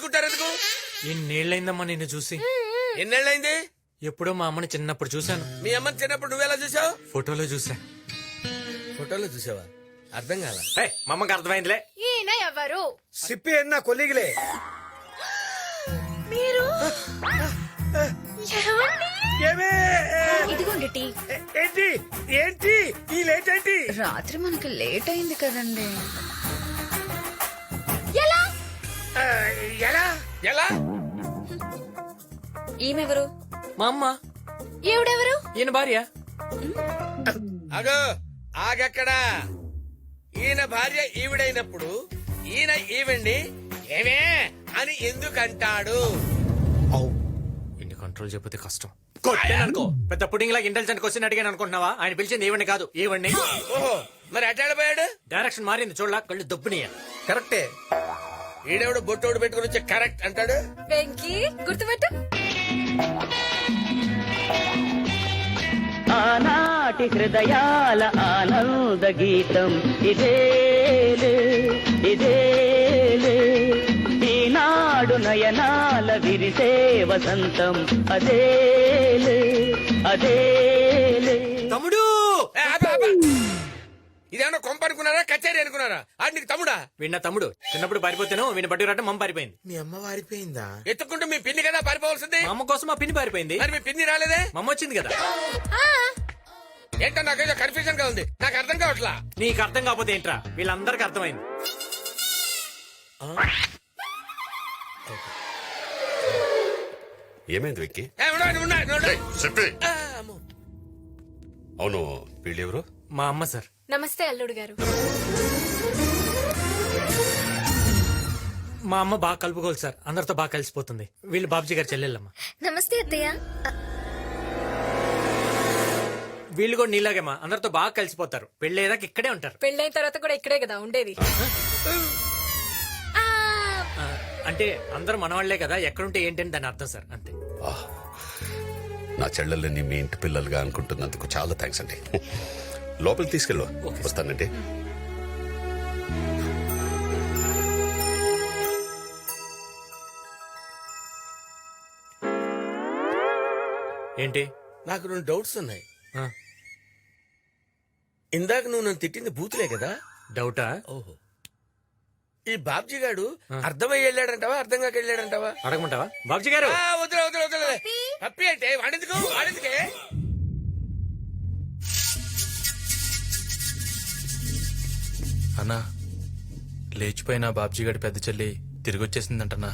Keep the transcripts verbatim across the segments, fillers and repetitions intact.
గుంజుకుంటారు ఎందుకు? ఎన్నేళ్ళైందమ్మా నిన్ను చూసి? ఎన్నేళ్ళైంది? ఎప్పుడో మా అమ్మని చిన్నప్పుడు చూశాను. మీ అమ్మని చిన్నప్పుడు నువ్వెలా చూసావు? ఫోటోలో చూసా. ఫోటోలో చూసావా? అర్థం కాల. మా అమ్మకి అర్థమైందిలే. ఈయన ఎవరు? సిప్పి అన్న కొలిగిలే. మీరు ఏమండి? ఏమే? ఇదిగోండి టీ. ఏంటి ఏంటి ఈ లేట్ ఏంటి? రాత్రి మనకి లేట్ అయింది కదండి. ఎలా ఆ, ఎలా ఎలా? ఈమెవరు? మా అమ్మ. ఈవిడెవరు? ఈయన భార్య. అగో ఆగక్కడా. ఈయన భార్య ఈవిడైనప్పుడు ఈయన ఈవిడ్ని ఏమే అని ఎందుకంటాడు? ఇన్ని కంట్రోల్ చెప్పితే కష్టం. కొట్టాననుకో పెద్ద పుడింగ్ లాగా ఇంటెలిజెంట్ క్వశ్చన్ అడిగాను అనుకుంటున్నావా? ఆయన పిలిచింది ఈవెండి కాదు ఈవెండి. ఓహో మరి అట్టాడిపోయాడు. డైరెక్షన్ మారింది చూడలా, కళ్ళు దొబ్బునియా. కరెక్టే. ఈడెవడు బొట్టోడు పెట్టుకుని వచ్చి కరెక్ట్ అంటాడు. వెంకీ గుర్తుపెట్టు. ఆనాటి హృదయాల ఆనంద గీతం ఇదేలే ఇదేలే, ఈనాడు నయనాల విరిసే వసంతం అదేలే అదేలే. తమ్ముడు ఏ, ఆపు, ఆపు. ఇదేమన్నా కొంప అనుకున్నారా కచేరీ అనుకున్నారా? ఆడు నీకు తమ్ముడా? వీడిన తమ్ముడు చిన్నప్పుడు పారిపోతేను వీడిని బట్టి రావటం మమ్మ పారిపోయింది. మీ అమ్మ వారిపోయిందా? ఎత్తుకుంటూ మీ పిన్ని కదా పారిపోవాల్సింది. మా అమ్మ కోసం మా పిన్ని పారిపోయింది. మరి మీ పిన్ని రాలేదే? మమ్మ వచ్చింది కదా. ఏంటో నాకేదో కన్ఫ్యూజన్ గా ఉంది. నాకు అర్థం కావట్లా. నీకు అర్థం కాకపోతే ఏంట్రా, వీళ్ళందరికి అర్థమైంది. ఏమైంది వెక్కి? ఏ, ఉండు, ఉండు, ఉండు, ఉండు. చెప్పి. ఆ, అమ్మో. అవును వీళ్ళెవరు? మా అమ్మ సార్. నమస్తే అల్లుడు గారు. మా అమ్మ బాగా కలుపుకోవాలి సార్, అందరితో బాగా కలిసిపోతుంది. వీళ్ళు బాబుజీ గారు చెల్లెళ్ళమ్మ. నమస్తే అత్తయ్య. వీళ్ళు కూడా నీలాగేమా అందరితో బాగా కలిసిపోతారు. పెళ్ళేదాకా ఇక్కడే ఉంటారు. పెళ్ళైన తర్వాత కూడా ఇక్కడే కదా ఉండేది. ఆ, అంటే అందరూ మనవాళ్లే కదా, ఎక్కడుంటే ఏంటని దాని అర్థం సార్, అంతే. ఆహ్, నా చెల్లెల్ని మీ ఇంటి పిల్లలుగా అనుకుంటున్నందుకు చాలా థ్యాంక్స్ అండి. లోపలికి తీసుకెళ్ళు. వస్తానండి. ఏంటి? నాకు రెండు డౌట్స్ ఉన్నాయి. ఆ, ఇందాక నువ్వు నన్ను తిట్టింది బూతులే కదా? డౌటా? ఓహో. ఈ బాబ్జీ గాడు అర్థమై వెళ్ళాడంటావా అర్థం కాక వెళ్ళాడంటావా? అడగమంటావా బాబుజీ గారు? ఆ, వదిలే వదిలే వదిలే. హ్యాపీ అంటే వాడెందుకు వాడెందుకే? అన్నా, లేచిపోయిన బాబ్జీ గడి పెద్ద చెల్లి తిరిగి వచ్చేసిందంటన్నా.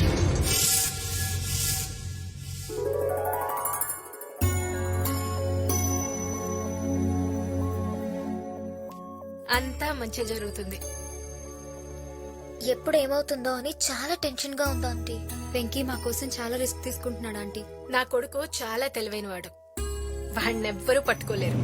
అంతా మంచి జరుగుతుంది. ఎప్పుడు ఏమవుతుందో అని చాలా టెన్షన్ గా ఉంది ఆంటీ. వెంకీ మా కోసం చాలా రిస్క్ తీసుకుంటున్నాడు ఆంటీ. నా కొడుకు చాలా తెలివైన వాడు, వాడినెవ్వరూ పట్టుకోలేరు.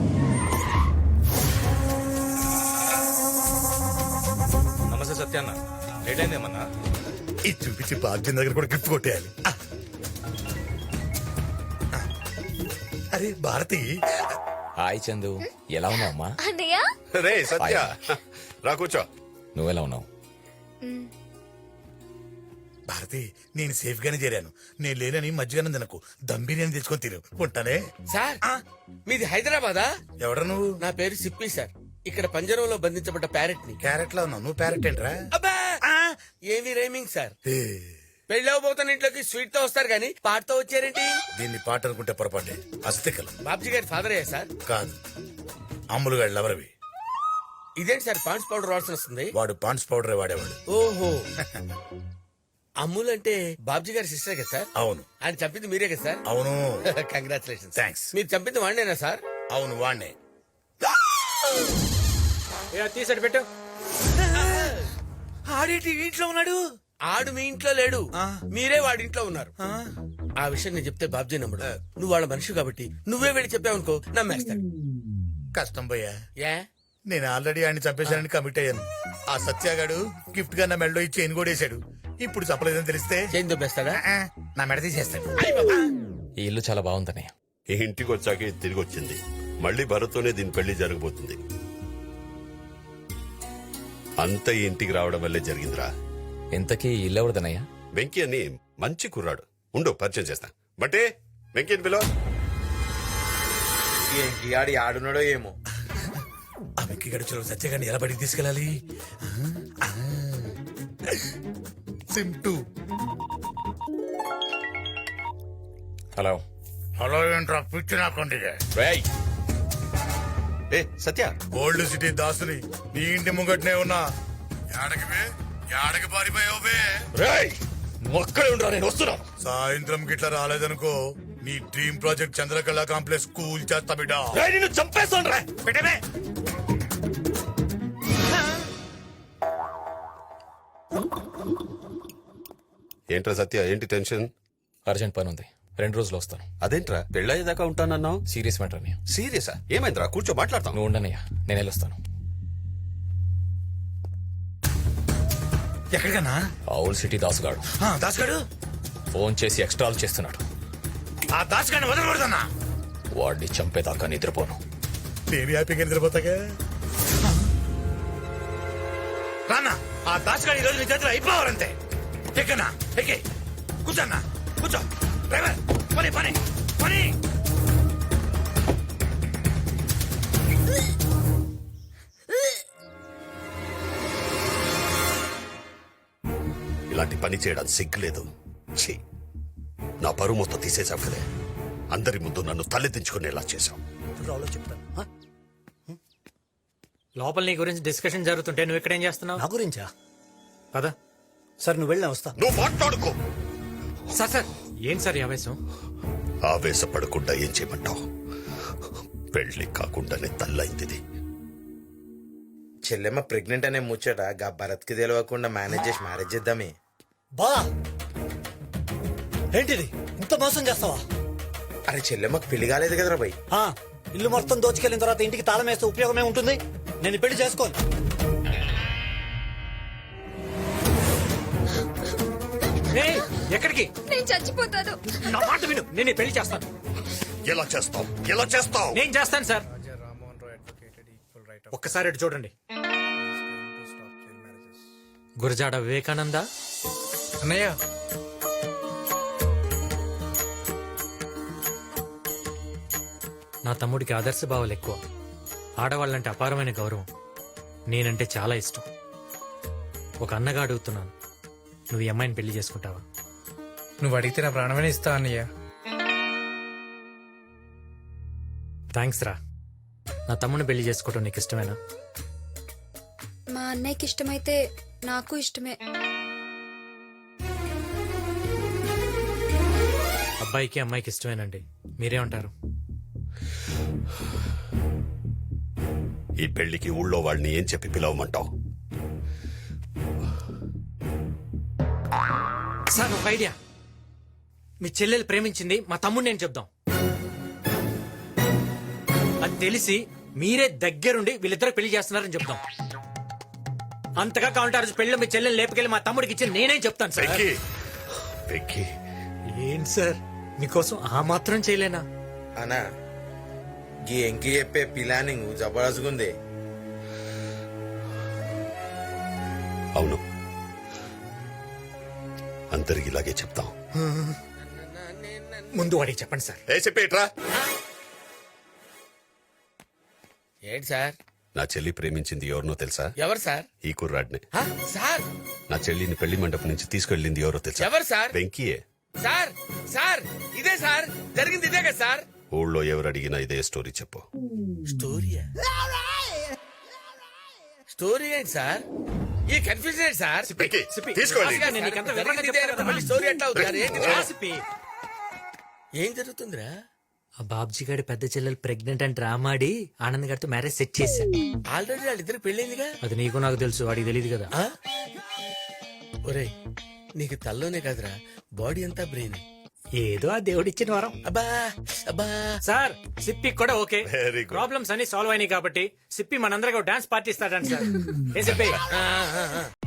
నమస్తే సత్యాన్న, లేట్ అయిందేమన్నా? ఇది చూపించి బాబ్జీ దగ్గర కూడా గిఫ్ట్ కొట్టేయాలి. ఆ. ఆ. అరే భారతి. హాయ్ చందు, ఎలా ఉన్నావు అమ్మా? అన్నయ్య రే సత్య, రా కూర్చో. నువ్వెలా ఉన్నావు? భారతి, నేను సేఫ్ గానే చేరాను. నేను లేనని మధ్యగానే తినకు, దమ్ బిర్యానీ తెచ్చుకొని తిరు. ఉంటానే. సార్ మీది హైదరాబాదా? ఎవడ నువ్వు? నా పేరు సిప్పి సార్. ఇక్కడ పంజరంలో బంధించబడ్డ ప్యారెట్ ని. క్యారెట్ లో ఉన్నావు నువ్వు. ప్యారెట్ ఏంట్రా? అబ్బా ఏమి రైమింగ్ సార్. ఏ, పెళ్ళవబోతున్న ఇంట్లోకి స్వీట్ తో వస్తారు గానీ పాటతో వచ్చారేంటి? దీన్ని పాట అనుకుంటే పొరపాటే. అస్తికలు బాబ్జీ గారి ఫాదర్ అయ్యా సార్? కాదు, అమ్ములు గారు లవరవి. ఇదేంటి సార్ పాండ్స్ పౌడర్ వాసన వస్తుంది? వాడు పాండ్స్ పౌడరే వాడేవాడు. ఓహో. అమ్ముల్ అంటే బాబ్జీ గారి సిస్టర్ కదా సార్? అవును. ఆయన చంపింది మీరే కదా సార్? అవును. కంగ్రాచులేషన్. థ్యాంక్స్. మీరు చంపింది వాడినేనా సార్? అవును వాణ్ణే. తీసాడు పెట్టు. ఆడేటి ఇంట్లో ఉన్నాడు? ఆడు మీ ఇంట్లో లేడు, మీరే వాడి ఇంట్లో ఉన్నారు. ఆ విషయం నేను చెప్తే బాబ్జీ నమ్మడు. నువ్వు వాళ్ళ మనిషి కాబట్టి నువ్వే వెళ్ళి చెప్పావనుకో నమ్మేస్తాడు. కష్టం పోయా. ఏ నేను ఆల్రెడీ ఆయన చంపేశానని కమిట్ అయ్యాను. ఆ సత్యాగాడు గిఫ్ట్ గా నా మెడలో ఇచ్చి చైన్ కూడా వేసాడు. ఇప్పుడు చెప్పలేదని తెలిస్తే చేంజ్ దొబ్బేస్తాడా? నా మెడ తీసేస్తాడు. ఈ ఇల్లు చాలా బాగుందన్నయ్య. ఈ ఇంటికి వచ్చాక ఇది తిరిగి వచ్చింది. మళ్ళీ భరత్తోనే దీని పెళ్లి జరగబోతుంది. అంత ఈ ఇంటికి రావడం వల్లే జరిగిందిరా. ఇంతకీ ఈ ఇల్లు ఎవరిదన్నయ్య? వెంకీ అని మంచి కుర్రాడు. ఉండు పరిచయం చేస్తా. బట్టే వెంకీ అని పిలవ. ఏంటి ఆడి ఆడున్నాడో ఏమో. ఆ వెక్కి గడిచిన సత్యగాన్ని ఎలా బడికి తీసుకెళ్ళాలి? సింటూ. హలో హలో ఏంట్రా పిచ్చి నాకండి. రేయ్ ఏ సత్య, ఓల్డ్ సిటీ దాసుని నీ ఇంటి ముంగట్నే ఉన్నా. యాడకి బే యాడకి పారిపోయావు బే? రేయ్ నువ్వు అక్కడే ఉండరా, నేను వస్తున్నా. సాయంత్రం గిట్లా రాలేదనుకో నీ డ్రీమ్ ప్రాజెక్ట్ చంద్రకళ కాంప్లెక్స్ కూల్ చేస్తా బిడ్డ. రేయ్ నిన్ను చంపేస్తాను రా. పెట్టమే. ఏంట్రా సత్య, ఏంటి టెన్షన్? అర్జెంట్ పని ఉంది, రెండు రోజులు వస్తాను. అదేంట్రా పెళ్ళయ్యేదాకా ఉంటానన్నావు? సీరియస్ మ్యాటర్ అన్నయ్య. సీరియసా? ఏమైందిరా? కూర్చో మాట్లాడతాం. నువ్వు ఉండనయ్యా, నేను వెళ్ళొస్తాను. ఎక్కడికన్నా? ఆ ఓల్డ్ సిటీ దాసుగాడు దాసుగాడు ఫోన్ చేసి ఎక్స్ట్రాలు చేస్తున్నాడు. ఆ దాసుగాడిని వదలకూడదన్నా. వాడిని చంపేదాకా నిద్రపోను. నేను హ్యాపీగా నిద్రపోతాగా. రానా ఆ దాసుగాడి ఈరోజు నీ చేతిలో అయిపోవాలంతే. ఎక్కన్నా ఎక్కే కూర్చోన్నా కూర్చో. డ్రైవర్ పని పని పని. ఇలాంటి పని చేయడానికి సిగ్గులేదు. ఛీ, నా పరువు మొత్తం తీసేసావు కదే. అందరి ముందు నన్ను తలెత్తించుకునేలా చేశావు. లోపల నీ గురించి డిస్కషన్ జరుగుతుంటే నువ్వు ఇక్కడేం చేస్తున్నావు? నా గురించా? కదా సార్ నువ్వు వెళ్ళినా వస్తా. నువ్వు మాట్లాడుకో. సార్ సార్ ఏం సార్ ఈ ఆవేశం? ఆవేశపడకుండా ఏం చేయమంటావు? పెళ్లి కాకుండానే తల్లైంది. చెల్లెమ్మ ప్రెగ్నెంట్ అనే ముచ్చట గా భరత్ కి తెలియకుండా మేనేజ్ చేసి మ్యారేజ్ చేద్దామే. బా ఏంటిది ఇంత మోసం చేస్తావా? అరే చెల్లెమ్మకి పెళ్లి కాలేదు కదరా బై. ఆ, ఇల్లు మొత్తం దోచుకెళ్ళిన తర్వాత ఇంటికి తాళం వేస్తే ఉపయోగమే ఉంటుంది. నేను ఈ పెళ్లి చేసుకోను. ఏయ్, ఎక్కడికి? నేను చచ్చిపోతాను. నా మాట విను, నేను ఈ పెళ్లి చేస్తాను. ఎలా చేస్తావు? ఎలా చేస్తావు? నేను చేస్తాను సార్. ఒక్కసారి అటు చూడండి. గురజాడ వివేకానంద అన్నయ్య నా తమ్ముడికి ఆదర్శ భావాలు ఎక్కువ. ఆడవాళ్ళంటే అపారమైన గౌరవం. నేనంటే చాలా ఇష్టం. ఒక అన్నగా అడుగుతున్నాను, నువ్వు ఈ అమ్మాయిని పెళ్లి చేసుకుంటావా? నువ్వు అడిగితే నా ప్రాణమైన ఇస్తా అన్నయ్య. థ్యాంక్స్ రా. నా తమ్ముడిని పెళ్లి చేసుకోవటం నీకు ఇష్టమేనా? మా అన్నయ్యకి ఇష్టమైతే నాకు ఇష్టమే. అబ్బాయికి అమ్మాయికి ఇష్టమేనండి. మీరేమంటారు? ఈ పెళ్లికి ఊళ్ళో వాళ్ళని ఏం చెప్పి పిలవమంటావు? సార్ ఒక ఐడియా. మీ చెల్లెలు ప్రేమించింది మా తమ్ముడిని నేను చెప్దాం. అది తెలిసి మీరే దగ్గరుండి వీళ్ళిద్దరు పెళ్లి చేస్తున్నారని చెప్దాం. అంతగా కావాలంటే ఆ రోజు పెళ్లి మీ చెల్లెలు లేపుకెళ్ళి మా తమ్ముడికి ఇచ్చి నేనే చెప్తాను సార్. వెంకీ, వెంకీ, ఏంటి సార్ మీకోసం ఆ మాత్రం చేయలేనా? అనా గీ ఎంకి చెప్పే ప్లానింగ్ జబర్దస్త్గుంది. అవును, అందరికి ఇలాగే చెప్తాం. ముందు వాడికి చెప్పండి సార్. ఏ చెప్పేట్రా. ఏంటి సార్? నా చెల్లి ప్రేమించింది ఎవరినో తెలుసా? ఎవరు సార్? ఈ కుర్రాడిని. హ? సార్ నా చెల్లిని పెళ్లి మండపం నుంచి తీసుకెళ్ళింది ఎవరో తెలుసా? ఎవరు సార్? వెంకీయే. సార్ సార్ ఇదే సార్ జరిగింది, ఇదే కదా సార్? ఊళ్ళో ఎవరు అడిగినా ఇదే స్టోరీ చెప్పు. స్టోరీయా? స్టోరీ ఏంటి సార్? ఈ కన్ఫ్యూజన్ ఏంటి సార్? వెంకీ, సిప్పి, తీసుకోండి. రాజుగారు, నేను నీకు అంత వివరంగా జరిగింది ఇదే చెప్తాను అనుకో, కదా. మళ్ళీ స్టోరీ ఎట్లా అవుతుంది సార్? ఏంటి రా సార్? సిప్పి. ఏం జరుగుతుందిరా? ఆ బాబ్జీ గారి పెద్ద చెల్లెలు ప్రెగ్నెంట్ అని డ్రామా ఆడి ఆనంద్ గారితో మ్యారేజ్ సెట్ చేశా. ఆల్రెడీ వాళ్ళిద్దరు పెళ్ళైందిగా. అది నీకు నాకు తెలుసు, వాడికి తెలియదు కదా. ఆ? ఒరేయ్, నీకు తల్లోనే కాదురా, బాడీ అంతా బ్రెయిన్. ఏదో ఆ దేవుడిచ్చిన వరం. అబ్బా అబ్బా. సార్ సిప్పి కూడా ఓకే. Very good. ప్రాబ్లమ్స్ అన్ని సాల్వ్ అయినాయి కాబట్టి సిప్పి మనందరికీ డాన్స్ పార్టీ ఇస్తాడంట సార్. ఏ సిప్పి? ఆ, ఆ, ఆ.